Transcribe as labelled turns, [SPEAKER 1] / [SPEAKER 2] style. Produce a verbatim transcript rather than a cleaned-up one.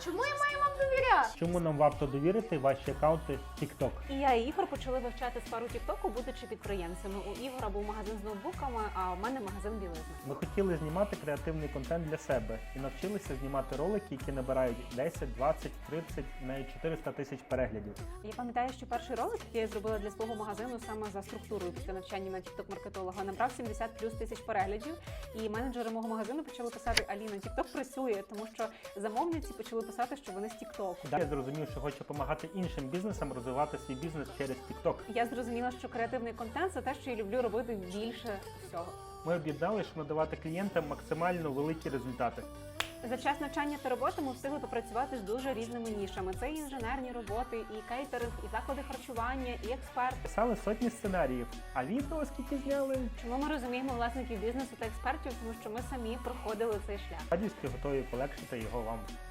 [SPEAKER 1] Чому я маю вам довіряти?
[SPEAKER 2] Чому нам варто довірити ваші аккаунти TikTok?
[SPEAKER 3] І я і Ігор почали вивчати сферу Тіктоку, будучи підприємцями. У Ігора був магазин з ноутбуками, а у мене магазин білизни.
[SPEAKER 2] Ми хотіли знімати креативний контент для себе і навчилися знімати ролики, які набирають десять, двадцять, тридцять, навіть чотириста тисяч переглядів.
[SPEAKER 3] Я пам'ятаю, що перший ролик, який я зробила для свого магазину саме за структурою після навчання на тікток-маркетолога, набрав сімдесят плюс тисяч переглядів. І менеджери мого магазину почали писати: Аліна, Тікток працює, тому що замовниці почали писати, що вони з Тіктоку.
[SPEAKER 2] Я зрозумів, що хочу допомагати іншим бізнесам розвивати свій бізнес через TikTok.
[SPEAKER 3] Я зрозуміла, що креативний контент – це те, що я люблю робити більше всього.
[SPEAKER 2] Ми об'єднали, щоб надавати клієнтам максимально великі результати.
[SPEAKER 3] За час навчання та роботи ми встигли попрацювати з дуже різними нішами. Це і інженерні роботи, і кейтеринг, і заклади харчування, і експерт.
[SPEAKER 2] Писали сотні сценаріїв, а відео скільки зняли?
[SPEAKER 3] Чому ми розуміємо власників бізнесу та експертів? Тому що ми самі проходили цей шлях.
[SPEAKER 2] Радістю готові полегшити його вам.